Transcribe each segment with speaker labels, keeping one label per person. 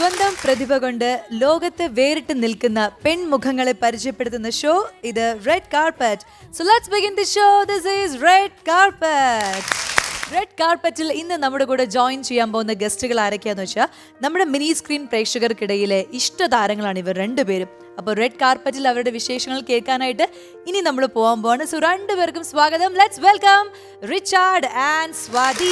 Speaker 1: സ്വന്തം പ്രതിഭ കൊണ്ട് ലോകത്തെ വേറിട്ട് നിൽക്കുന്ന പെൺമുഖങ്ങളെ പരിചയപ്പെടുത്തുന്ന ഷോ ഇത് red carpet. So let's begin the show. This is red carpet. Red കാർപ്പറ്റിൽ ഇന്ന് നമ്മുടെ കൂടെ ജോയിൻ ചെയ്യാൻ പോകുന്ന ഗസ്റ്റുകൾ ആരൊക്കെയാന്ന് വെച്ചാൽ നമ്മുടെ മിനി സ്ക്രീൻ പ്രേക്ഷകർക്കിടയിലെ ഇഷ്ടതാരങ്ങളാണ് ഇവർ രണ്ടുപേരും. അപ്പോൾ റെഡ് കാർപ്പറ്റിൽ അവരുടെ വിശേഷങ്ങൾ കേൾക്കാനായിട്ട് ഇനി നമ്മൾ പോകാൻ പോവാണ്. സോ രണ്ടുപേർക്കും സ്വാഗതം. Let's welcome Richard and Swathi.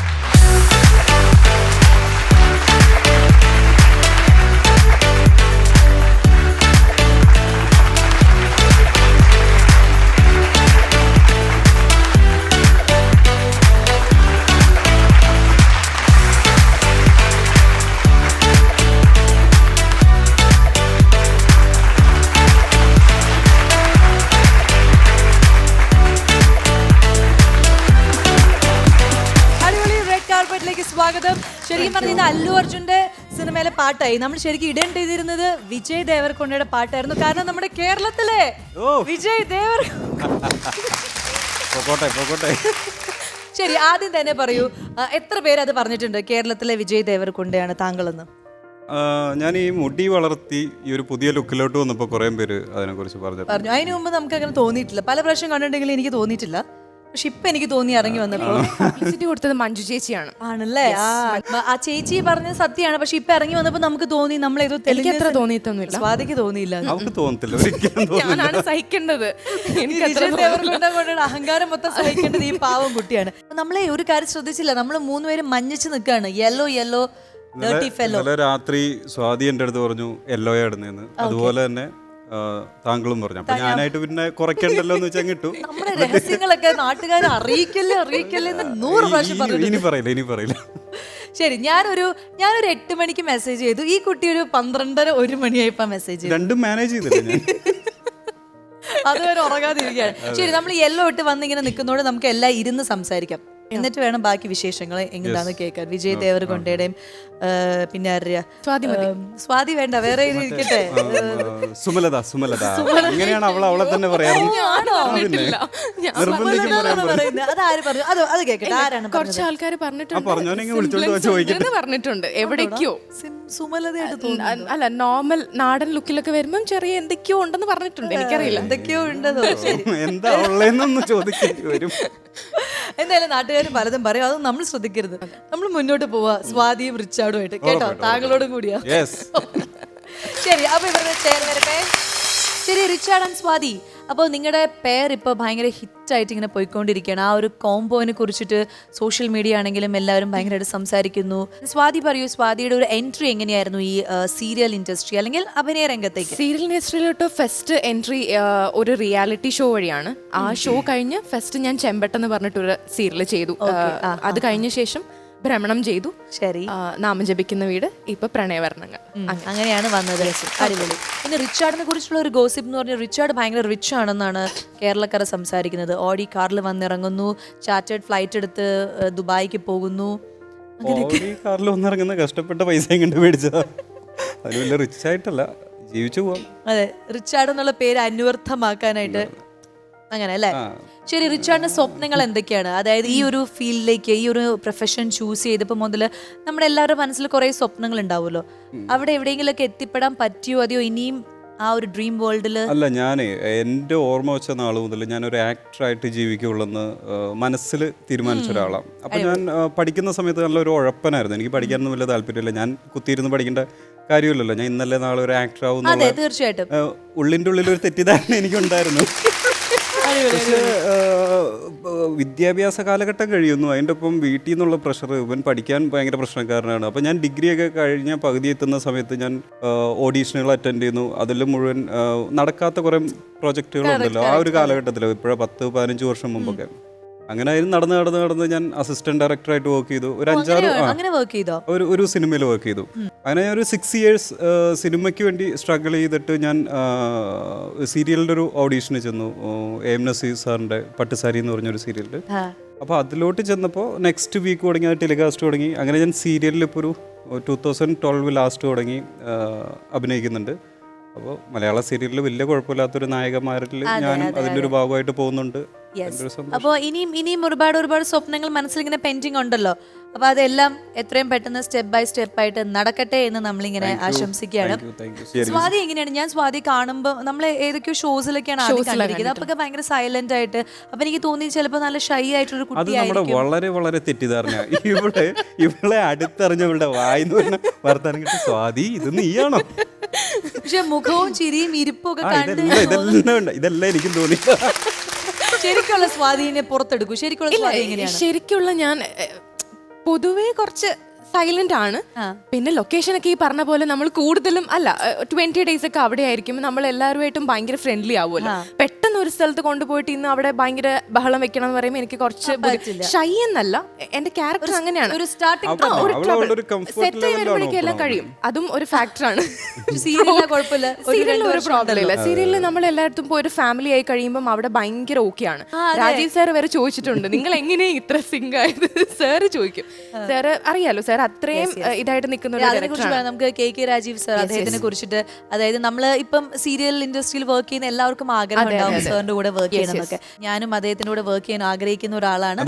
Speaker 1: സ്വാഗതം. ശരിക്കും പറഞ്ഞ ഇത് അല്ലു അർജുന്റെ സിനിമയിലെ പാട്ടായി. നമ്മൾ ശരിക്കും ഇടേണ്ട ചെയ്തിരുന്നത് വിജയ് ദേവർകൊണ്ടയുടെ പാട്ടായിരുന്നു. കാരണം നമ്മുടെ കേരളത്തിലെ വിജയ് ദേവർ. ശരി, ആദ്യം തന്നെ പറയൂ, എത്ര പേര് അത് പറഞ്ഞിട്ടുണ്ട് കേരളത്തിലെ വിജയ് ദേവർകൊണ്ടയാണ് താങ്കളെന്ന്?
Speaker 2: ഞാൻ ഈ മുടി വളർത്തി ഈ ഒരു പുതിയ ലുക്കിലോട്ട് വന്നപ്പോൾ കുറേ പേര് അതിനെക്കുറിച്ച് പറഞ്ഞു.
Speaker 1: അതിനു മുമ്പ് നമുക്ക് അങ്ങനെ തോന്നിയിട്ടില്ല. പല പ്രാവശ്യം കണ്ടിട്ടുണ്ടെങ്കിലും എനിക്ക് തോന്നിയിട്ടില്ല. പക്ഷെ ഇപ്പൊ എനിക്ക് തോന്നി ഇറങ്ങി വന്നപ്പോ
Speaker 3: പബ്ലിസിറ്റി കൊടുത്തത് മഞ്ജു ചേച്ചിയാണ്.
Speaker 1: ആണല്ലേ? ആ ചേച്ചി പറഞ്ഞത് സത്യമാണ്. പക്ഷെ ഇപ്പൊ ഇറങ്ങി വന്നപ്പോ നമുക്ക് തോന്നി നമ്മളേതോ
Speaker 3: എനിക്ക് അത്ര തോന്നിയിട്ടൊന്നുമില്ല.
Speaker 1: സ്വാതിക്ക് തോന്നിയില്ല.
Speaker 2: നമുക്ക് തോന്നത്തില്ല,
Speaker 3: ഞാനാണ് സഹിക്കേണ്ടത്.
Speaker 1: അഹങ്കാരം മൊത്തം സഹിക്കേണ്ടത് ഈ പാവം കുട്ടിയാണ്. നമ്മളെ ഒരു കാര്യം ശ്രദ്ധിച്ചില്ല, നമ്മള് മൂന്നുപേരും മഞ്ഞച്ച് നിൽക്കാണ്. യെല്ലോ യെല്ലോ
Speaker 2: രാത്രി സ്വാതി എൻ്റെ അടുത്ത് പറഞ്ഞു യെല്ലോയാ ഇടുന്നതെന്ന്. അതുപോലെ തന്നെ താങ്കളും പറഞ്ഞു. അപ്പൊ ഞാനായിട്ട് പിന്നെ കുറയ്ക്കണ്ടല്ലോ എന്ന് വെച്ചാൽ കിട്ടു.
Speaker 1: നമ്മുടെ രഹസ്യങ്ങളൊക്കെ നാട്ടുകാരെ അറിയിക്കല്ലേ എന്ന് 100 പ്രാവശ്യം പറഞ്ഞു.
Speaker 2: ഇനി പറയില്ല.
Speaker 1: ശരി, ഞാനൊരു 8 മണിക്ക് മെസ്സേജ് ചെയ്തു. ഈ കുട്ടി ഒരു 12:30 1 മണിയായപ്പോ മെസ്സേജ് ചെയ്തു.
Speaker 2: രണ്ടും മാനേജ് ചെയ്തില്ല ഞാൻ.
Speaker 1: അതുവരെ ഉറങ്ങാതിരിക്കുകയാണ്. ശരി, നമ്മൾ യെല്ലോ ഇട്ട് വന്നിങ്ങനെ നിൽക്കുന്നതോടെ നമുക്ക് എല്ലാം ഇരുന്ന് സംസാരിക്കാം. എന്നിട്ട് വേണം ബാക്കി വിശേഷങ്ങൾ എങ്ങനെയാന്ന് കേൾക്കാൻ. വിജയ് ദേവർകൊണ്ടയുടെയും പിന്നെ സ്വാതി വേണ്ട, വേറെ ഇരിക്കട്ടെ.
Speaker 2: സുമലത ഇങ്ങനെയാണ് അവളെ തന്നെ പറയാറ്.
Speaker 1: അതാര് പറഞ്ഞു? അത് കേൾക്കട്ടെ. ആരാണ്?
Speaker 3: കുറച്ച് ആൾക്കാർ പറഞ്ഞിട്ടുണ്ട്. എവിടേക്കോ
Speaker 1: സുമലതയായിട്ട്
Speaker 3: അല്ല, നോർമൽ നാടൻ ലുക്കിലൊക്കെ വരുമ്പം ചെറിയ എന്തൊക്കെയോ ഉണ്ടെന്ന് പറഞ്ഞിട്ടുണ്ട്. എനിക്കറിയില്ല
Speaker 1: എന്തൊക്കെയോ ഉണ്ടെന്നോ.
Speaker 2: എന്താ ഉള്ളതെന്നൊന്നും ചോദിക്കേണ്ടി വരും.
Speaker 1: എന്തായാലും നാട്ടുകാർ പലതും പറയും, അതൊന്നും നമ്മൾ ശ്രദ്ധിക്കരുത്. നമ്മൾ മുന്നോട്ട് പോവാ സ്വാതിയും റിച്ചാർഡും ആയിട്ട്. കേട്ടോ, താങ്കളോടും കൂടിയാ. ശരി, അപ്പൊ ഇവരുടെ ചേർ വരട്ടെ. ശരി, റിച്ചാർഡ് ആൻഡ് സ്വാതി, അപ്പോൾ നിങ്ങളുടെ പേർ ഇപ്പോൾ ഭയങ്കര ഹിറ്റായിട്ട് ഇങ്ങനെ പോയിക്കൊണ്ടിരിക്കുകയാണ്. ആ ഒരു കോംബോനെ കുറിച്ചിട്ട് സോഷ്യൽ മീഡിയ ആണെങ്കിലും എല്ലാവരും ഭയങ്കരമായിട്ട് സംസാരിക്കുന്നു. സ്വാതി പറയൂ, സ്വാതിയുടെ ഒരു എൻട്രി എങ്ങനെയായിരുന്നു ഈ സീരിയൽ ഇൻഡസ്ട്രി അല്ലെങ്കിൽ അഭിനയ രംഗത്തേക്ക്?
Speaker 3: സീരിയൽ ഇൻഡസ്ട്രിയിലോട്ട് ഫസ്റ്റ് എൻട്രി ഒരു റിയാലിറ്റി ഷോ വഴിയാണ്. ആ ഷോ കഴിഞ്ഞ് ഫസ്റ്റ് ഞാൻ ചെമ്പട്ടെന്ന് പറഞ്ഞിട്ടൊരു സീരിയൽ ചെയ്തു. അത് കഴിഞ്ഞ ശേഷം ഭ്രമണം ചെയ്തു.
Speaker 1: ശരി,
Speaker 3: നാമം ജപിക്കുന്ന വീട്, ഇപ്പൊ പ്രണയവർണ്ണങ്ങൾ.
Speaker 1: അങ്ങനെയാണ് വന്നത്. അടിപൊളി. പിന്നെ റിച്ചാർഡിനെ കുറിച്ചുള്ള ഒരു ഗോസിപ്പ് എന്ന് പറഞ്ഞാൽ റിച്ചാർഡ് ഭയങ്കര റിച്ച് ആണെന്നാണ് കേരളക്കാരെ സംസാരിക്കുന്നത്. ഓഡി കാറിൽ വന്നിറങ്ങുന്നു, ചാർട്ടേഡ് ഫ്ലൈറ്റ് എടുത്ത് ദുബായിക്ക് പോകുന്നു.
Speaker 2: കാറിൽ വന്നിറങ്ങുന്ന കഷ്ടപ്പെട്ട പൈസ കണ്ട് മേടിച്ചതാ. അത് വലിയ റിച്ച് ആയിട്ടല്ല, ജീവിച്ചു പോവാം.
Speaker 1: അതെ, റിച്ചാർഡ് എന്നുള്ള പേര് അന്വർത്ഥമാക്കാനായിട്ട് അങ്ങനെ അല്ലേ? ശരി, റിച്ചാർഡിന്റെ സ്വപ്നങ്ങൾ എന്തൊക്കെയാണ്? അതായത് ഈ ഒരു ഫീൽഡിലേക്ക്, ഈ ഒരു പ്രൊഫഷൻ ചൂസ് ചെയ്തപ്പോൾ മുതൽ നമ്മുടെ എല്ലാവരുടെ മനസ്സിൽ കുറേ സ്വപ്നങ്ങൾ ഉണ്ടാവുമല്ലോ. അവിടെ എവിടെയെങ്കിലുമൊക്കെ എത്തിപ്പെടാൻ പറ്റിയോ, അതെയോ ഇനിയും ആ ഒരു ഡ്രീം വേൾഡിൽ?
Speaker 2: അല്ല, ഞാൻ എൻ്റെ ഓർമ്മ വെച്ച നാൾ മുതൽ ഞാനൊരു ആക്ടറായിട്ട് ജീവിക്കുള്ളെന്ന് മനസ്സിൽ തീരുമാനിച്ച ഒരാളാണ്. അപ്പം ഞാൻ പഠിക്കുന്ന സമയത്ത് നല്ലൊരു ഉഴപ്പനായിരുന്നു. എനിക്ക് പഠിക്കാനൊന്നും വലിയ താല്പര്യമില്ല. ഞാൻ കുത്തിയിരുന്ന് പഠിക്കേണ്ട കാര്യമില്ലല്ലോ. ഞാൻ ഇന്നലെ നാളെ ഒരു ആക്ടർ ആവുന്ന
Speaker 1: തീർച്ചയായിട്ടും
Speaker 2: ഉള്ളിൻ്റെ ഉള്ളിലൊരു തെറ്റിദ്ധാരണ എനിക്കുണ്ടായിരുന്നു. പക്ഷേ വിദ്യാഭ്യാസ കാലഘട്ടം കഴിയുന്നു, അതിൻ്റെ ഒപ്പം വീട്ടിൽ നിന്നുള്ള പ്രഷർ, ഇവൻ പഠിക്കാൻ ഭയങ്കര പ്രശ്നക്കാരനാണ്. അപ്പോൾ ഞാൻ ഡിഗ്രിയൊക്കെ കഴിഞ്ഞ പകുതി എത്തുന്ന സമയത്ത് ഞാൻ ഓഡീഷനുകൾ അറ്റൻഡ് ചെയ്യുന്നു. അതിൽ മുഴുവൻ നടക്കാത്ത കുറേ പ്രോജക്റ്റുകളുണ്ടല്ലോ ആ ഒരു കാലഘട്ടത്തിൽ, ഇപ്പോഴാണ് 10-15 വർഷം മുമ്പൊക്കെ. അങ്ങനെ നടന്ന് ഞാൻ അസിസ്റ്റന്റ് ഡയറക്ടറായിട്ട് വർക്ക് ചെയ്തു. ഒരു 5-6 ഒരു സിനിമയിൽ വർക്ക് ചെയ്തു. അങ്ങനെ ഞാൻ ഒരു 6 years സിനിമയ്ക്ക് വേണ്ടി സ്ട്രഗിൾ ചെയ്തിട്ട് ഞാൻ സീരിയലിൻ്റെ ഒരു ഓഡീഷന് ചെന്നു. എം നസീർ സാറിൻ്റെ പട്ടുസാരി എന്ന് പറഞ്ഞൊരു സീരിയലിൽ. അപ്പോൾ അതിലോട്ട് ചെന്നപ്പോൾ നെക്സ്റ്റ് വീക്ക് തുടങ്ങി, അത് ടെലികാസ്റ്റ് തുടങ്ങി. അങ്ങനെ ഞാൻ സീരിയലിൽ ഇപ്പോൾ ഒരു 2012 ലാസ്റ്റ് തുടങ്ങി അഭിനയിക്കുന്നുണ്ട്. അപ്പോൾ മലയാള സീരിയലിൽ വലിയ കുഴപ്പമില്ലാത്തൊരു നായകന്മാരിൽ ഞാനും അതിൻ്റെ ഒരു ഭാഗമായിട്ട് പോകുന്നുണ്ട്. അതിൻ്റെ ഒരു സന്തോഷം.
Speaker 1: അപ്പോൾ ഇനിയും ഒരുപാട് സ്വപ്നങ്ങൾ മനസ്സിലിങ്ങനെ പെൻഡിങ് ഉണ്ടല്ലോ. അപ്പൊ അതെല്ലാം എത്രയും പെട്ടെന്ന് സ്റ്റെപ്പ് ബൈ സ്റ്റെപ്പ് ആയിട്ട് നടക്കട്ടെ എന്ന് നമ്മളിങ്ങനെ ആശംസിക്കുകയാണ്. സ്വാതി എങ്ങനെയാണ്? ഞാൻ സ്വാതി കാണുമ്പോൾ നമ്മൾ ഏതൊക്കെയോ ഷോസിലൊക്കെയാണ് ആദ്യം കണ്ടിരിക്കുന്നത്. അപ്പൊ ഭയങ്കര സൈലന്റ് ആയിട്ട്, അപ്പൊ എനിക്ക് തോന്നി ചിലപ്പോൾ നല്ല ഷൈ ആയിട്ടൊരു
Speaker 2: അത് നമ്മുടെ
Speaker 1: കുട്ടിയായിരിക്കും.
Speaker 2: വളരെ വളരെ തെറ്റിദ്ധാരണ. ഇവളെ അടുത്തറിഞ്ഞവളുടെ വായിന്ന് പറഞ്ഞ വർത്താനം കിട്ടി സ്വാതി ഇത് നീയാണോ?
Speaker 1: പക്ഷെ മുഖവും ചിരിയും ഇരിപ്പും ഒക്കെ കണ്ട്
Speaker 2: ഇതെല്ലാം എനിക്കും തോന്നി.
Speaker 1: ശരിക്കുള്ള സ്വാധീനെ പുറത്തെടുക്കൂ. ശരിക്കുള്ള സ്വാധീനം എങ്ങനെയാണ്?
Speaker 3: ശരിക്കുള്ള ഞാൻ പൊതുവേ കുറച്ച് സൈലന്റ് ആണ്. പിന്നെ ലൊക്കേഷൻ ഒക്കെ ഈ പറഞ്ഞ പോലെ നമ്മൾ കൂടുതലും 20 days ഒക്കെ അവിടെ ആയിരിക്കും. നമ്മൾ എല്ലാവരുമായിട്ടും ഭയങ്കര ഫ്രണ്ട്ലി ആവുമല്ലോ. പെട്ടെന്ന് ഒരു സ്ഥലത്ത് കൊണ്ടുപോയിട്ട് ഇന്ന് അവിടെ ഭയങ്കര ബഹളം വെക്കണം എന്ന് പറയുമ്പോൾ എനിക്ക് കുറച്ച് ഷൈ എന്നല്ല, എന്റെ ക്യാരക്ടർ അങ്ങനെയാണ്.
Speaker 1: ഒരു സ്റ്റാർട്ടിംഗ്
Speaker 3: സെറ്റ് ചെയ്യുമ്പോഴേക്കും എല്ലാം കഴിയും. അതും ഒരു ഫാക്ടറാണ്.
Speaker 1: സീരിയലിന് കുഴപ്പമില്ല,
Speaker 3: സീരിയലിൽ ഒരു പ്രോബ്ലം ഇല്ല. സീരിയലിൽ നമ്മൾ എല്ലായിടത്തും പോയി ഒരു ഫാമിലി ആയി കഴിയുമ്പോൾ അവിടെ ഭയങ്കര ഓക്കെയാണ്. രാജീവ് സാർ വരെ ചോദിച്ചിട്ടുണ്ട്, നിങ്ങൾ എങ്ങനെയാ ഇത്ര സിങ്ക് ആയത്? സാറ് ചോദിക്കും. സാറ് അറിയാലോ, സാർ അത്രയും ഇതായിട്ട് നിൽക്കുന്ന
Speaker 1: നമുക്ക് KK രാജീവ് സാർ, അദ്ദേഹത്തിനെ കുറിച്ചിട്ട്, അതായത് നമ്മള് ഇപ്പം സീരിയൽ ഇൻഡസ്ട്രിയിൽ വർക്ക് ചെയ്യുന്ന എല്ലാവർക്കും ആഗ്രഹം ഉണ്ടാവും സാറിന്റെ കൂടെ വർക്ക് ചെയ്യണമെന്നൊക്കെ. ഞാനും അദ്ദേഹത്തിന്റെ കൂടെ വർക്ക് ചെയ്യാൻ ആഗ്രഹിക്കുന്ന ഒരാളാണ്.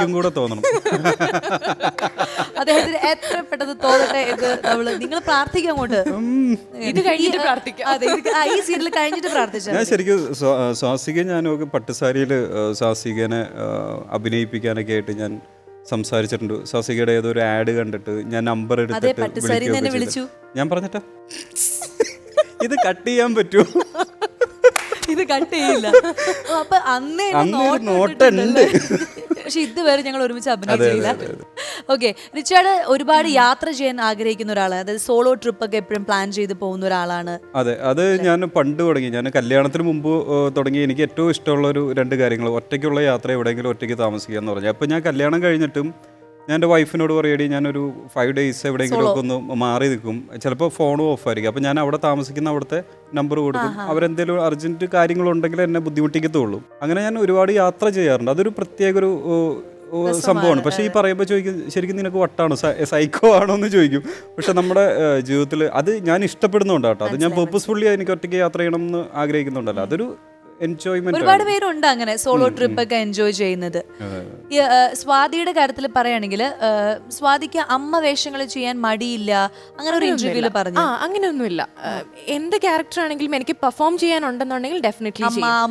Speaker 1: അദ്ദേഹത്തിന് എത്ര പെട്ടെന്ന് തോന്നട്ടെ എന്ന് നിങ്ങൾ പ്രാർത്ഥിക്കാം. അങ്ങോട്ട്
Speaker 3: ഇത് കഴിഞ്ഞിട്ട് പ്രാർത്ഥിക്കാം.
Speaker 1: അതെ, ഈ സീരിയൽ കഴിഞ്ഞിട്ട് പ്രാർത്ഥിച്ചു.
Speaker 2: ഞാൻ ശരിക്കും സ്വാസിക, ഞാനൊക്കെ പട്ടുസാരിയിൽ സ്വാസികനെ അഭിനയിപ്പിക്കാനൊക്കെ ആയിട്ട് ഞാൻ സംസാരിച്ചിട്ടുണ്ട്. സ്വാസികയുടെ ഏതൊരു ആഡ് കണ്ടിട്ട് ഞാൻ നമ്പർ എടുത്തിട്ട്
Speaker 1: വിളിച്ചു.
Speaker 2: ഞാൻ പറഞ്ഞിട്ടാ ഇത് കട്ട് ചെയ്യാൻ പറ്റുമോ?
Speaker 1: ഇത് കട്ട് ചെയ്യില്ല. അപ്പൊ അന്നേ
Speaker 2: നോട്ടുണ്ട്.
Speaker 1: പക്ഷെ ഇതുവരെ ഞങ്ങൾ ഒരുമിച്ച് അഭിനയിച്ചില്ല. ഓക്കെ, റിച്ചാർഡ് ഒരുപാട് യാത്ര ചെയ്യാൻ ആഗ്രഹിക്കുന്ന ഒരാളാണ്. അതായത് സോളോ ട്രിപ്പ് ഒക്കെ എപ്പോഴും പ്ലാൻ ചെയ്ത് പോകുന്ന ഒരാളാണ്.
Speaker 2: അതെ, അത് ഞാൻ പണ്ട് തുടങ്ങി. ഞാൻ കല്യാണത്തിന് മുമ്പ് തുടങ്ങി. എനിക്ക് ഏറ്റവും ഇഷ്ടമുള്ള ഒരു 2 കാര്യങ്ങൾ, ഒറ്റയ്ക്കുള്ള യാത്ര, എവിടെയെങ്കിലും ഒറ്റയ്ക്ക് താമസിക്കുക എന്ന് പറഞ്ഞു. അപ്പോൾ ഞാൻ കല്യാണം കഴിഞ്ഞിട്ടും ഞാൻ എൻ്റെ വൈഫിനോട് പറയടി, ഞാനൊരു 5 days എവിടെയെങ്കിലും ഒക്കെ ഒന്ന് മാറി നിൽക്കും. ചിലപ്പോൾ ഫോണും ഓഫായിരിക്കും. അപ്പോൾ ഞാൻ അവിടെ താമസിക്കുന്ന അവിടുത്തെ നമ്പർ കൊടുക്കും. അവരെന്തെങ്കിലും അർജൻറ്റ് കാര്യങ്ങളുണ്ടെങ്കിൽ എന്നെ ബുദ്ധിമുട്ടിക്കത്തുള്ളൂ. അങ്ങനെ ഞാൻ ഒരുപാട് യാത്ര ചെയ്യാറുണ്ട്. അതൊരു പ്രത്യേക ഒരു സംഭവമാണ്. പക്ഷേ ഈ പറയുമ്പോൾ ചോദിക്കും, ശരിക്കും നിനക്ക് വട്ടാണോ, സൈക്കോ ആണോ എന്ന് ചോദിക്കും. പക്ഷെ നമ്മുടെ ജീവിതത്തിൽ അത് ഞാൻ ഇഷ്ടപ്പെടുന്നുണ്ട് കേട്ടോ. അത് ഞാൻ പേർപ്പസ്ഫുള്ളി എനിക്ക് ഒറ്റയ്ക്ക് യാത്ര ചെയ്യണം എന്ന് ആഗ്രഹിക്കുന്നുണ്ടല്ലോ. അതൊരു എൻജോയ്മെന്റ്.
Speaker 1: ഒരുപാട് പേരുണ്ട് അങ്ങനെ സോളോ ട്രിപ്പ് ഒക്കെ എൻജോയ് ചെയ്യുന്നത്. സ്വാതിയുടെ കാര്യത്തിൽ പറയുകയാണെങ്കിൽ സ്വാതിക്ക് അമ്മ വേഷങ്ങൾ ചെയ്യാൻ മടിയില്ല, അങ്ങനെ ഒരു ഇന്റർവ്യൂല് പറഞ്ഞു.
Speaker 3: അങ്ങനെയൊന്നുമില്ല. എന്ത് ക്യാരക്ടർ ആണെങ്കിലും എനിക്ക് പെർഫോം ചെയ്യാനുണ്ടെന്നുണ്ടെങ്കിൽ ഡെഫിനറ്റ്ലി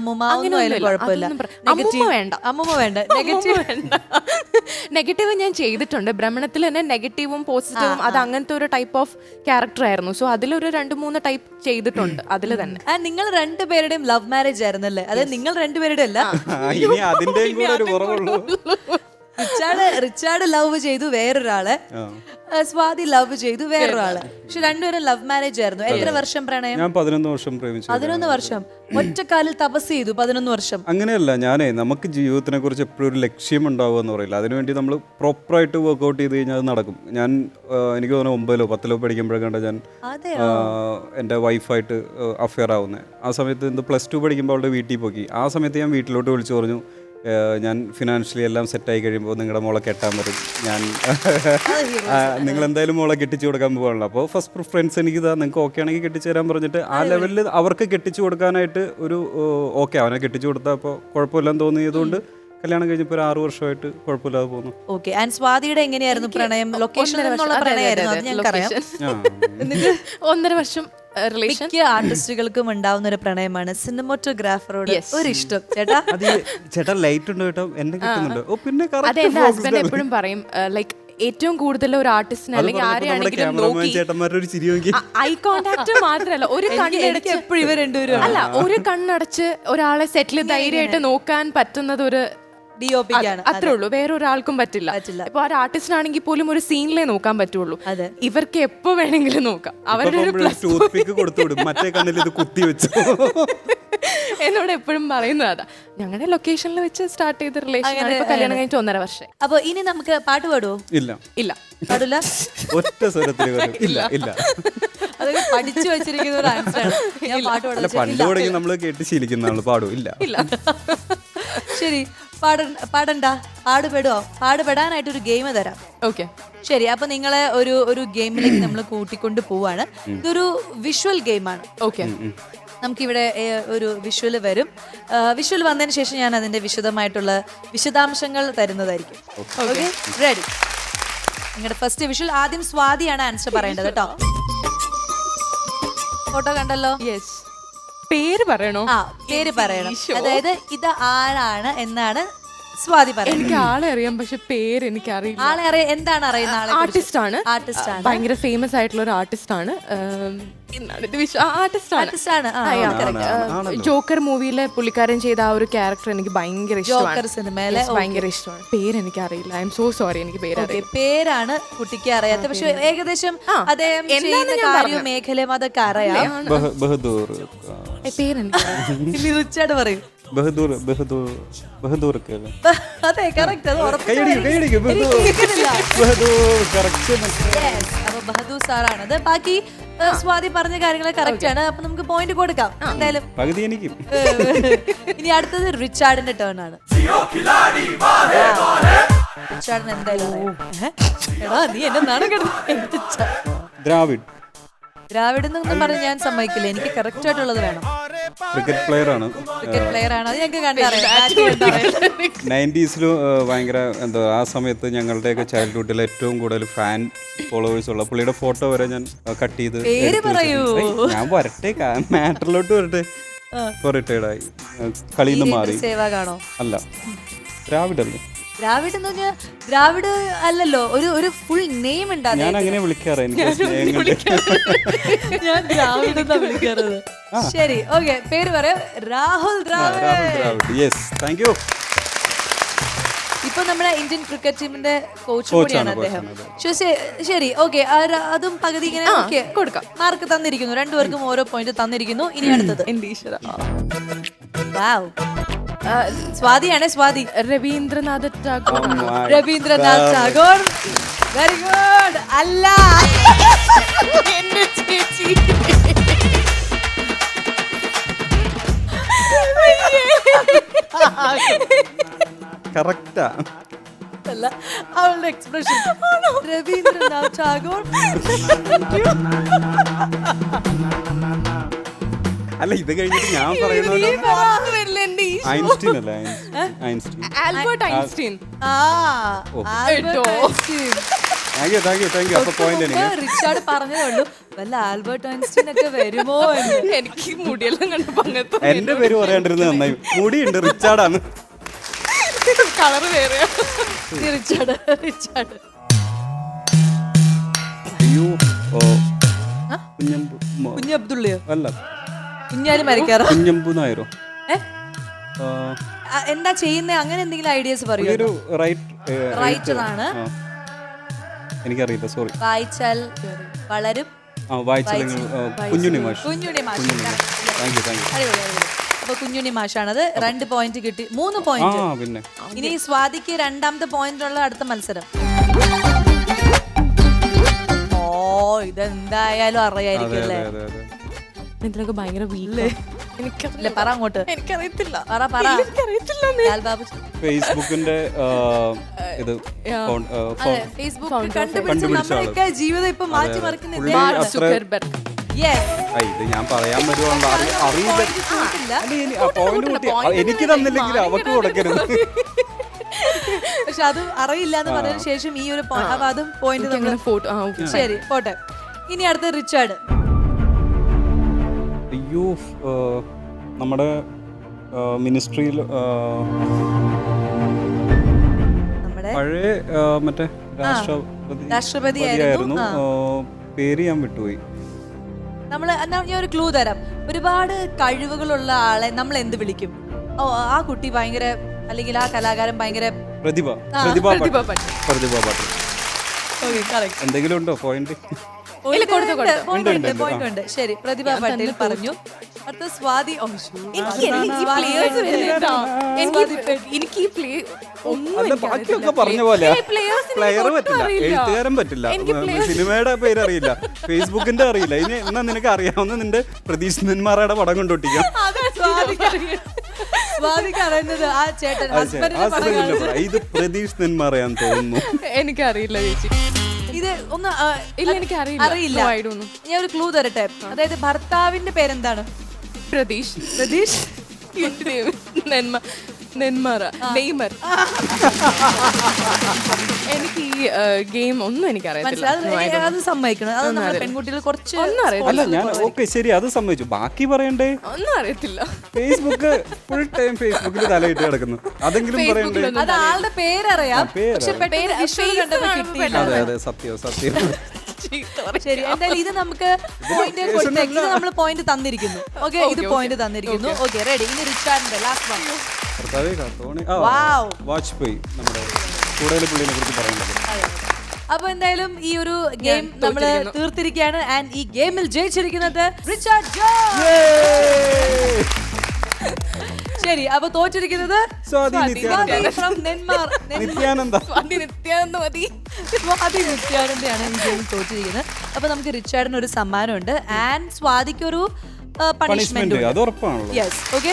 Speaker 3: നെഗറ്റീവ് ഞാൻ ചെയ്തിട്ടുണ്ട്. ഭ്രമണത്തിൽ തന്നെ നെഗറ്റീവും പോസിറ്റീവും അത് അങ്ങനത്തെ ഒരു ടൈപ്പ് ഓഫ് ക്യാരക്ടർ ആയിരുന്നു. സോ അതിലൊരു 2-3 ടൈപ്പ് ചെയ്തിട്ടുണ്ട് അതിൽ തന്നെ.
Speaker 1: നിങ്ങൾ രണ്ടുപേരുടെയും ലവ് മാരേജ് ആയിരുന്നല്ലേ? അതായത് നിങ്ങൾ രണ്ടുപേരുടെ അല്ല, റിച്ചാർഡ് ലവ് ചെയ്തു വേറൊരാളെ, സ്വാതി ലവ് ചെയ്തു വേറൊരാളെ. പക്ഷെ രണ്ടുപേരും ലവ് മാരേജ് ആയിരുന്നു. എത്ര വർഷം പ്രണയം?
Speaker 2: ഞാൻ 11 വർഷം പ്രേമിച്ചു.
Speaker 1: 11 വർഷം ഒറ്റക്കാലിൽ തപസ് ചെയ്തു. 11 വർഷം.
Speaker 2: അങ്ങനെയല്ല, നമുക്ക് ജീവിതത്തിനെ കുറിച്ച് എപ്പോഴും ഒരു ലക്ഷ്യം ഉണ്ടാവുക എന്ന് പറയില്ല. അതിനുവേണ്ടി നമ്മൾ പ്രോപ്പറായിട്ട് വർക്ക്ഔട്ട് ചെയ്ത് കഴിഞ്ഞാൽ അത് നടക്കും. എനിക്ക് തോന്നുന്നു 9-ലോ 10-ലോ പഠിക്കുമ്പോഴേക്കാണ്ട് ഞാൻ എൻ്റെ വൈഫായിട്ട് അഫെയർ ആവുന്നത്. ആ സമയത്ത് +2 പഠിക്കുമ്പോൾ അവളുടെ വീട്ടിൽ പോയി. ആ സമയത്ത് ഞാൻ വീട്ടിലോട്ട് വിളിച്ചു പറഞ്ഞു, ഞാൻ ഫിനാൻഷ്യലി എല്ലാം സെറ്റായി കഴിയുമ്പോൾ നിങ്ങളുടെ മോളെ കെട്ടാൻ പറ്റും, ഞാൻ നിങ്ങൾ എന്തായാലും മോളെ കെട്ടിച്ചു കൊടുക്കാൻ പോകാണല്ലോ. അപ്പോൾ ഫസ്റ്റ് പ്രിഫറൻസ് എനിക്കിതാ, നിങ്ങൾക്ക് ഓക്കെ ആണെങ്കിൽ കെട്ടിച്ചു തരാൻ പറഞ്ഞിട്ട് ആ ലെവലിൽ അവർക്ക് കെട്ടിച്ചു കൊടുക്കാനായിട്ട് ഒരു ഓക്കെ, അവനെ കെട്ടിച്ചു കൊടുത്താൽ അപ്പോൾ കുഴപ്പമില്ലെന്ന് തോന്നിയതുകൊണ്ട് കല്യാണം കഴിഞ്ഞപ്പോൾ 6 വർഷമായിട്ട് കുഴപ്പമില്ലാതെ പോകുന്നു.
Speaker 1: ഓക്കെ. ആൻഡ് സ്വാതിയുടെ എങ്ങനെയായിരുന്നു പ്രണയം? ലൊക്കേഷനിൽ നിന്നുള്ള പ്രണയമായിരുന്നു, അത് ഞങ്ങൾക്കറിയാം.
Speaker 3: 1.5 വർഷം റിലേഷൻ.
Speaker 1: മിക്ക ആർട്ടിസ്റ്റുകൾക്കും ഉണ്ടാവുന്ന ഒരു പ്രണയമാണ് സിനിമോട്ടോഗ്രാഫറോട് ഒരു ഇഷ്ടം.
Speaker 2: ചേട്ടാ ലൈറ്റ് ഉണ്ടോ കേട്ടോ, എന്നെ കിട്ടുന്നുണ്ടോ? ഓ പിന്നെ
Speaker 3: അതെ, എന്റെ ഹസ്ബൻഡ് എപ്പോഴും പറയും ലൈക്ക് ഏറ്റവും കൂടുതൽ ഒരു ആർട്ടിസ്റ്റിനെ അല്ലെങ്കിൽ ആരെയാണെങ്കിലും ഐ കോണ്ടാക്ട് മാത്രമല്ല ഒരു കണ്ണടച്ച്
Speaker 1: എപ്പോഴും ഇവർ രണ്ടുപേരും
Speaker 3: അല്ല ഒരു കണ്ണടച്ച് ഒരാളെ സെറ്റിൽ ധൈര്യമായിട്ട് നോക്കാൻ പറ്റുന്നത് ഒരു അത്രേ ഉള്ളൂ. വേറൊരാൾക്കും പറ്റില്ല. ഇപ്പൊ ഒരു ആർട്ടിസ്റ്റ് ആണെങ്കിൽ പോലും ഒരു സീനിലേ നോക്കാൻ പറ്റുള്ളൂ. ഇവർക്ക് എപ്പോ വേണമെങ്കിലും നോക്കാം. അവരുടെ എന്നോട് എപ്പോഴും പറയുന്നത് അതാ. ഞങ്ങളുടെ ലൊക്കേഷനിൽ വെച്ച് സ്റ്റാർട്ട് ചെയ്ത റിലേഷൻ കല്യാണം കഴിഞ്ഞിട്ട് 1.5 വർഷം.
Speaker 1: അപ്പൊ ഇനി നമുക്ക് പാട്ട് പാടുവോ?
Speaker 2: ഇല്ല
Speaker 1: പാടില്ല.
Speaker 2: ഒറ്റ സ്വരത്തിൽ ഇല്ല.
Speaker 1: അതൊക്കെ പഠിച്ചു വെച്ചിരിക്കുന്ന ഒരു ആൻസറാണ്. ഞാൻ പാട്ട് പാടില്ല.
Speaker 2: പണ്ട് തുടങ്ങി നമ്മൾ കേട്ട് ശീലിക്കുന്നതാണ്. പാടും ഇല്ല.
Speaker 1: ശരി, പാടണ്ട, പാടുപെടാനായിട്ടൊരു ഗെയിം തരാം.
Speaker 3: ഓക്കെ,
Speaker 1: ശരി. അപ്പൊ നിങ്ങളെ ഒരു ഗെയിമിലേക്ക് നമ്മൾ കൂട്ടിക്കൊണ്ട് പോവാണ്. ഇതൊരു വിഷ്വൽ ഗെയിമാണ്.
Speaker 3: ഓക്കെ.
Speaker 1: നമുക്കിവിടെ ഒരു വിഷ്വൽ വരും. വിഷ്വൽ വന്നതിന് ശേഷം ഞാൻ അതിന്റെ വിശദാംശങ്ങൾ തരുന്നതായിരിക്കും. Okay, ready? നിങ്ങളുടെ ഫസ്റ്റ് വിഷ്വൽ. ആദ്യം സ്വാതിയാണ് ആൻസർ പറയേണ്ടത് കേട്ടോ. ഫോട്ടോ കണ്ടല്ലോ?
Speaker 3: യെസ്. പേര് പറയണോ?
Speaker 1: ആ, പേര് പറയണം. അതായത് ഇത് ആരാണ് എന്നാണ് സ്വാതി പറയുന്നത്.
Speaker 3: എനിക്ക് ആളെ അറിയാം, പക്ഷെ പേര് എനിക്ക് അറിയില്ല.
Speaker 1: ആളെ അറിയാം. എന്താണ് അറിയുന്ന ആളെ?
Speaker 3: ആർട്ടിസ്റ്റ് ആണ്. ഭയങ്കര ഫേമസ് ആയിട്ടുള്ള ഒരു ആർട്ടിസ്റ്റ് ആണ്. ജോക്കർ മൂവിയിലെ പുള്ളിക്കാരൻ ചെയ്ത ആ ഒരു ക്യാരക്ടർ എനിക്ക് ഭയങ്കര ഇഷ്ടമാണ്.
Speaker 1: സിനിമയിലെ
Speaker 3: ഭയങ്കര ഇഷ്ടമാണ്. പേര് എനിക്ക് അറിയില്ല. ഐ എം സോ സോറി, എനിക്ക് പേരറിയില്ല.
Speaker 1: പേരാണ് കുട്ടിക്ക് അറിയാത്ത, പക്ഷെ ഏകദേശം അദ്ദേഹം ചെയ്യുന്ന കാര്യവും മേഖലയും അതൊക്കെ അറിയാം.
Speaker 3: പേരെനിക്ക്
Speaker 1: റിച്ചാർഡ് പറയും. അതെ, കറക്റ്റ്. അപ്പൊ ബഹദൂർ സാറാണത്. ബാക്കി സ്വാതി പറഞ്ഞ കാര്യങ്ങൾ കറക്റ്റ് ആണ്. അപ്പൊ നമുക്ക് പോയിന്റ് കൊടുക്കാം എന്തായാലും. ഇനി അടുത്തത് റിച്ചാർഡിന്റെ ടേൺ ആണ്. റിച്ചാർഡിന് എന്തായാലും എടാ നീ എന്നെ നാണം കെടുത്ത. ദ്രാവിഡ് എന്നൊന്നും പറഞ്ഞ് ഞാൻ സമ്മതിക്കില്ല. എനിക്ക് കറക്റ്റ് ആയിട്ടുള്ളത് വേണം.
Speaker 2: ക്രിക്കറ്റ് പ്ലെയർ ആണ്.
Speaker 1: അത് ഞങ്ങൾക്ക് കണ്ടറിയാം.
Speaker 2: 90s ഭയങ്കര എന്താ, ആ സമയത്ത് ഞങ്ങളുടെയൊക്കെ ചൈൽഡ്ഹുഡിൽ ഏറ്റവും കൂടുതൽ ഫാൻ ഫോളോവേഴ്സ് ഉള്ള പുള്ളിയുടെ ഫോട്ടോ വരെ ഞാൻ കട്ട് ചെയ്ത്.
Speaker 1: പേര് പറയൂ.
Speaker 2: ഞാൻ വരട്ടെ, മാറ്ററിലോട്ട് വരട്ടെ. ഇപ്പൊ റിട്ടയർഡ് ആയി, കളിയിൽ നിന്ന് മാറി.
Speaker 1: സേവാഗാണോ?
Speaker 2: അല്ല, ദ്രാവിഡല്ലേ.
Speaker 1: ദ്രാവിഡ് എന്ന് പറഞ്ഞാൽ ദ്രാവിഡ് അല്ലല്ലോ, ഒരു ഫുൾ നെയിം ഉണ്ടാകും.
Speaker 2: ഞാൻ അങ്ങനെ വിളിക്കാറ്.
Speaker 1: ഞാൻ ദ്രാവിഡ് എന്നാ വിളിക്കാറത്. ശരി, ഓക്കെ. പേര് പറയാം. Rahul Dravid.
Speaker 2: Yes, thank you.
Speaker 1: ഇപ്പൊ നമ്മുടെ ഇന്ത്യൻ ക്രിക്കറ്റ് ടീമിന്റെ കോച്ച് കൂടിയാണ് അദ്ദേഹം. ശരി, ഓക്കെ. അതും പകുതി ഇങ്ങനെ കൊടുക്കാം. മാർക്ക് തന്നിരിക്കുന്നു. രണ്ടുപേർക്കും ഓരോ പോയിന്റ് തന്നിരിക്കുന്നു. ഇനി അടുത്തത് സ്വാതിയാണ്. സ്വാതി.
Speaker 3: രവീന്ദ്രനാഥ് ടാഗോർ.
Speaker 1: രവീന്ദ്രനാഥ് ടാഗോർ. Very good. അല്ല,
Speaker 3: എന്റെ ചേച്ചി.
Speaker 2: കറക്റ്റാ.
Speaker 1: അല്ല, അവളുടെ എക്സ്പ്രഷൻ. രവീന്ദ്രനാഥ് ടാഗോർ.
Speaker 2: അല്ല, ഇത് കഴിഞ്ഞിട്ട് ഞാൻ പറയുന്നത് ഐൻസ്റ്റീൻ അല്ലേ?
Speaker 3: Albert Einstein.
Speaker 1: റിച്ചാർഡ് പറഞ്ഞതേ ഉള്ളൂ വല്ല ആൽബർട്ട് ഐൻസ്റ്റീൻ ഒക്കെ വരുമോ എന്ന്.
Speaker 3: എനിക്ക് മുടിയെല്ലാം കണ്ടു.
Speaker 2: എന്റെ പേര് പറയാണ്ടിരുന്നത് നന്നായി. മുടിയുണ്ട്, റിച്ചാർഡാണ്.
Speaker 3: കളറ് വേറെ.
Speaker 1: റിച്ചാർഡ്.
Speaker 2: അയ്യോ,
Speaker 1: കുഞ്ഞബ്ദുള്ളയോ?
Speaker 2: അല്ല,
Speaker 1: കുഞ്ഞാലും മരിക്കാറോ?
Speaker 2: കുഞ്ഞമ്പു നായരോ?
Speaker 1: എന്താ ചെയ്യുന്നത്? അങ്ങനെ എന്തെങ്കിലും ഐഡിയാസ് പറയൂ.
Speaker 2: ഒരു
Speaker 1: റൈറ്റർ ആണ്.
Speaker 2: എനിക്കറിയില്ല, സോറി.
Speaker 1: വായിച്ചാൽ വളരും.
Speaker 2: കുഞ്ഞുണ്ണി മാഷ്.
Speaker 1: അപ്പൊ കുഞ്ഞുണ്ണി മാഷാണത്. 2 പോയിന്റ് കിട്ടി. 3 പോയിന്റ്.
Speaker 2: പിന്നെ
Speaker 1: ഇനി സ്വാതിക്ക് രണ്ടാമത്തെ പോയിന്റ് ഉള്ള അടുത്ത മത്സരം. ഓ, ഇതെന്തായാലും അറിയായിരിക്കും അല്ലേ?
Speaker 3: ഇതിലൊക്കെ ഭയങ്കര വീക്ക്.
Speaker 1: എനിക്കറിയില്ല. പറ അങ്ങോട്ട്.
Speaker 3: എനിക്കറിയത്തില്ല.
Speaker 2: ഫേസ്ബുക്കിന്റെ ഇത്
Speaker 1: ഫേസ്ബുക്ക് കണ്ടുപിടിച്ച നമ്മളൊക്കെ ജീവിതം ഇപ്പൊ മാറ്റി മറിക്കുന്നില്ല.
Speaker 2: ഇത് ഞാൻ പറയാൻ വരുവാണല്ലോ, അറിയില്ല. എനിക്ക് തന്നില്ലെങ്കിൽ അവക്ക് കൊടുക്കരുത്.
Speaker 1: പക്ഷെ അത് അറിയില്ല എന്ന് പറഞ്ഞതിന് ശേഷം ഈ ഒരു അതും പോയിന്റ്. ശരി, പോട്ടെ. ഇനി അടുത്ത റിച്ചാർഡ്.
Speaker 2: അയ്യോ, നമ്മുടെ മിനിസ്ട്രിയിൽ പഴയ മറ്റേ രാഷ്ട്രപതിയായിരുന്നു. പേര് ഞാൻ വിട്ടുപോയി.
Speaker 1: ഞാൻ ഒരു ക്ലൂ തരാം. ഒരുപാട് കഴിവുകളുള്ള ആളെ നമ്മൾ എന്ത് വിളിക്കും? ആ കുട്ടി ഭയങ്കര, അല്ലെങ്കിൽ ആ കലാകാരൻ ഭയങ്കര
Speaker 2: പ്രതിഭ പാട്ടീൽ. എന്തെങ്കിലും ഉണ്ടോ പോയിന്റ്?
Speaker 1: പോയിന്റ്. ശരി, പ്രതിഭ പാട്ടീൽ പറഞ്ഞു. അടുത്ത സ്വാതി.
Speaker 2: പറഞ്ഞ പോലെ പ്ലെയർ പറ്റില്ല, എഴുത്തുകാരൻ പറ്റില്ല, സിനിമയുടെ പേര് അറിയില്ല, ഫേസ്ബുക്കിന്റെ അറിയില്ല. ഇനി എന്നാ നിനക്ക് അറിയാവുന്ന നിന്റെ പ്രതീഷ് നെന്മാറയുടെ പടം കൊണ്ടൊട്ടിക്കാം.
Speaker 1: സ്വാതിക്ക് അറിയുന്നത് ആ ചേട്ടൻ ഹസ്ബൻഡിന്റെ പടം
Speaker 2: ഹസ്ബൻഡിന്റെ പടം. ഇത് പ്രതീഷ് നെന്മാറയാൻ തോന്നുന്നു.
Speaker 3: എനിക്കറിയില്ല ചേച്ചി.
Speaker 1: ഇത് ഒന്ന്
Speaker 3: ഇല്ല, എനിക്ക് അറിയില്ല. No, I don't know.
Speaker 1: ഞാൻ ഒരു ക്ലൂ തരട്ടെ. അതായത് ഭർത്താവിന്റെ പേരെന്താണ്?
Speaker 3: പ്രതീഷ്.
Speaker 1: പ്രതീഷ്
Speaker 3: നെന്മാറ നെയ്മർ. എനിക്ക് ഈ ഗെയിം ഒന്നും എനിക്ക് അറിയത്തില്ല.
Speaker 1: അത് സമ്മതിക്കണം. അത് നമ്മുടെ പെൺകുട്ടികൾ കുറച്ച്
Speaker 2: അല്ല ഞാൻ ഓക്കെ ശരി അത് സമ്മതിച്ചു. ബാക്കി പറയണ്ടേ?
Speaker 3: ഒന്നും അറിയത്തില്ല.
Speaker 2: ഫേസ്ബുക്ക് ഫുൾ ടൈം ഫേസ്ബുക്കിൽ തലയിട്ട് കിടക്കുന്നു. അതെങ്കിലും പറയണ്ടേ?
Speaker 1: അത് ആളുടെ പേരറിയാം, പക്ഷെ പെട്ടെന്ന് visual കണ്ടപ്പോ കിട്ടിയില്ല.
Speaker 2: അതെ അതെ സത്യം സത്യം.
Speaker 1: ശരി, എന്തായാലും ഇത് നമുക്ക് പോയിന്റ് കൊടുത്തേക്ക്. ഇത് നമ്മൾ പോയിന്റ് തന്നിരിക്കുന്നു. ഓക്കെ, ഇത് പോയിന്റ് തന്നിരിക്കുന്നു. Okay, ready. ഇനി റിച്ചാർഡിന്റെ ലാസ്റ്റ് വൺ.
Speaker 2: വാജ്പേയി നമ്മുടെ കൂടുതൽ പുള്ളിനെ കുറിച്ച് പറയുന്നത്.
Speaker 1: അപ്പൊ എന്തായാലും ഈ ഒരു ഗെയിം നമ്മൾ തീർത്തിരിക്കുകയാണ്. ആൻഡ് ഈ ഗെയിമിൽ ജയിച്ചിരിക്കുന്നത് റിച്ചാർഡ് ജോൺ. ശരി, അപ്പൊ തോറ്റിരിക്കുന്നത്
Speaker 2: സ്വാതി
Speaker 1: from നെന്മാർ.
Speaker 2: നിത്യാനന്ദ.
Speaker 1: സ്വാതി നിത്യാനന്ദയാണ് ഈ ഗെയിം തോറ്റിരിക്കുന്നത്. അപ്പൊ നമുക്ക് റിച്ചാർഡിന് ഒരു സമ്മാനമുണ്ട് ആൻഡ് സ്വാതിക്ക് ഒരു പണിഷ്മെന്റ്.
Speaker 2: അത് ഉറപ്പാണല്ലോ.
Speaker 1: Yes, okay.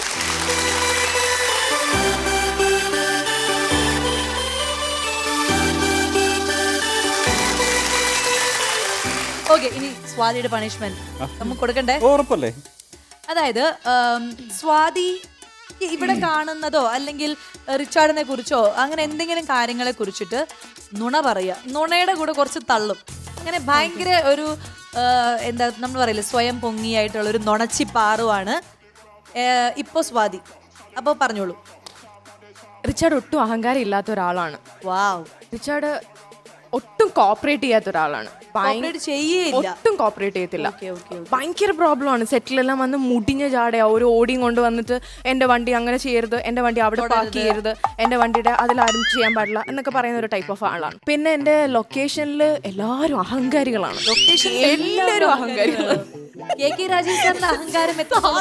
Speaker 1: ഓക്കെ, ഇനി സ്വാതിയുടെ പണിഷ്മെന്റ് നമുക്ക് കൊടുക്കണ്ടേ?
Speaker 2: ഉറപ്പല്ലേ?
Speaker 1: അതായത് സ്വാതി ഇവിടെ കാണുന്നതോ അല്ലെങ്കിൽ റിച്ചാർഡിനെ കുറിച്ചോ അങ്ങനെ എന്തെങ്കിലും കാര്യങ്ങളെ കുറിച്ചിട്ട് നുണ പറയുക. നുണയുടെ കൂടെ കുറച്ച് തള്ളും. അങ്ങനെ ഭയങ്കര ഒരു എന്താ നമ്മൾ പറയില്ലേ, സ്വയം പൊങ്ങിയായിട്ടുള്ള ഒരു നുണച്ചി പാറുവാണ് ഇപ്പൊ സ്വാതി. അപ്പോൾ പറഞ്ഞോളൂ.
Speaker 3: റിച്ചാർഡ് ഒട്ടും അഹങ്കാരം ഇല്ലാത്ത ഒരാളാണ്.
Speaker 1: വാവ്.
Speaker 3: റിച്ചാർഡ് ഒട്ടും കോപ്പറേറ്റ് ചെയ്യാത്ത ഒരാളാണ്. ഒട്ടും കോപ്പറേറ്റ് ചെയ്യത്തില്ല. ഭയങ്കര പ്രോബ്ലമാണ്. സെറ്റിലെല്ലാം വന്ന് മുടിഞ്ഞ ചാടയാ ഒരു ഓടിയും കൊണ്ട് വന്നിട്ട് എന്റെ വണ്ടി അങ്ങനെ ചെയ്യരുത്, എന്റെ വണ്ടി അവിടെ പാർക്ക് ചെയ്യരുത്, എന്റെ വണ്ടിയുടെ അതിലാരും ചെയ്യാൻ പാടില്ല എന്നൊക്കെ പറയുന്ന ഒരു ടൈപ്പ് ഓഫ് ആളാണ്. പിന്നെ എന്റെ ലൊക്കേഷനിൽ എല്ലാവരും അഹങ്കാരികളാണ്.
Speaker 1: ലൊക്കേഷൻ
Speaker 3: എല്ലാവരും അഹങ്കാരികളാണ്.
Speaker 1: KK രാജീവ് സാറിന്റെ അഹങ്കാരം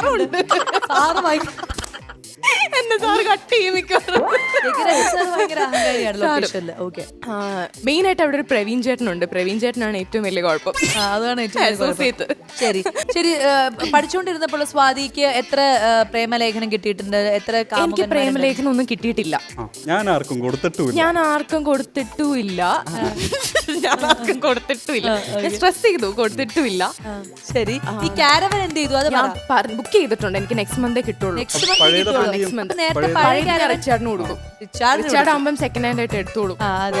Speaker 3: എന്നെ സാറ് കട്ട് ചെയ്യും മിക്കവാറും. മെയിൻ ആയിട്ട് അവിടെ ഒരു പ്രവീൺ ചേട്ടനുണ്ട്. പ്രവീൺ ചേട്ടനാണ് ഏറ്റവും വലിയ കുഴപ്പം.
Speaker 1: അതാണ് ശരി ശരി. പഠിച്ചുകൊണ്ടിരുന്നപ്പോൾ സ്വാതിക്ക് എത്ര പ്രേമലേഖനം കിട്ടിയിട്ടുണ്ട്? എത്ര?
Speaker 3: എനിക്ക് പ്രേമലേഖനം ഒന്നും കിട്ടിയിട്ടില്ല.
Speaker 2: ഞാൻ ആർക്കും കൊടുത്തിട്ടുമില്ല.
Speaker 3: ഞാൻ സ്ട്രെസ് ചെയ്തു, കൊടുത്തിട്ടുമില്ല.
Speaker 1: ശരി, ഈ കാരവൻ എന്ത് ചെയ്തു? അത്
Speaker 3: ഞാൻ ബുക്ക് ചെയ്തിട്ടുണ്ട്. എനിക്ക് നെക്സ്റ്റ് മന്തേ കിട്ടുള്ളൂ. നെക്സ്റ്റ് മന്ത് റിച്ചാർഡിന് കൊടുക്കും. റിച്ചാർഡ് ആകുമ്പം സെക്കൻഡ് ഹാൻഡ് ആയിട്ട് എടുത്തോളൂ.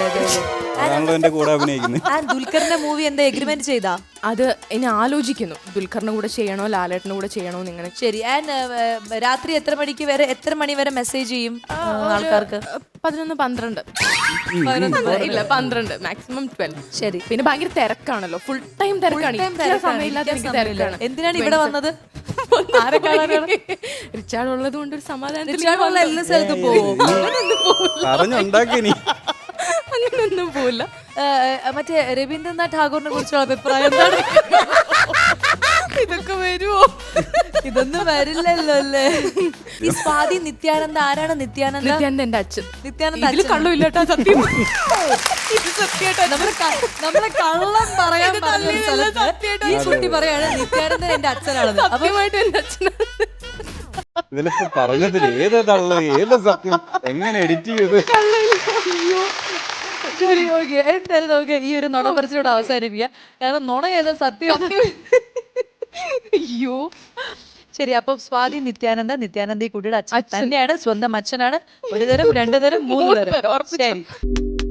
Speaker 1: ദുൽഖറിന്റെ മൂവി എന്താ എഗ്രിമെന്റ് ചെയ്താ?
Speaker 3: അത് ഇനി ആലോചിക്കുന്നു. ദുൽഖറിന്റെ കൂടെ ചെയ്യണോ ലാലേട്ടന്റെ കൂടെ ചെയ്യണോ ഇങ്ങനെ.
Speaker 1: ശരി. ആൻഡ് രാത്രി എത്ര മണി വരെ മെസ്സേജ് ചെയ്യും ആൾക്കാർക്ക്?
Speaker 3: 11-12. ഇല്ല 12, മാക്സിമം 12.
Speaker 1: ശരി.
Speaker 3: പിന്നെ ഭയങ്കര തിരക്കാണല്ലോ, ഫുൾ ടൈം തിരക്കാണ്. തിരക്കാണ്.
Speaker 1: എന്തിനാണ് ഇവിടെ വന്നത്?
Speaker 3: റിച്ചാർഡ് ഉള്ളത് കൊണ്ട് ഒരു സമാധാനം.
Speaker 1: എല്ലാ സ്ഥലത്തും പോകും.
Speaker 3: അങ്ങനൊന്നും പോവില്ല.
Speaker 1: മറ്റേ രവീന്ദ്രനാഥ് ടാഗോറിനെ കുറിച്ചുള്ള അഭിപ്രായം എന്താണ്?
Speaker 3: ഇതൊക്കെ വരുമോ?
Speaker 1: ഇതൊന്നും വരില്ലല്ലോ അല്ലേ? ഈ സ്വാതി നിത്യാനന്ദ ആരാണ്? നിത്യാനന്ദ
Speaker 3: എന്റെ അച്ഛൻ.
Speaker 1: നിത്യാനന്ദ
Speaker 3: കള്ളുമില്ലാട്ടോ, സത്യം.
Speaker 1: നമ്മളെ കള്ളം പറയാൻ ഈ കുട്ടി പറയാണ് നിത്യാനന്ദൻ എന്റെ അച്ഛനാണ്.
Speaker 3: സത്യമായിട്ട് എന്റെ അച്ഛനാണ്.
Speaker 2: ഇതിലിപ്പോ പറഞ്ഞതിൽ ഏത് തള്ളു ഏത് സത്യം എങ്ങനെ എഡിറ്റ് ചെയ്ത്?
Speaker 1: ശരി, ഓക്കെ. എന്തായാലും നമുക്ക് ഈ ഒരു നുണ പറിച്ചിലൂടെ അവസാനിപ്പിക്കാം. കാരണം നുണ ഏതാ സത്യം? അയ്യോ. ശരി, അപ്പൊ സ്വാതി നിത്യാനന്ദ ഈ കുട്ടിയുടെ അച്ഛൻ തന്നെയാണ്. സ്വന്തം അച്ഛനാണ്. 1 തരം 2 തരം 3 തരം. ശരി.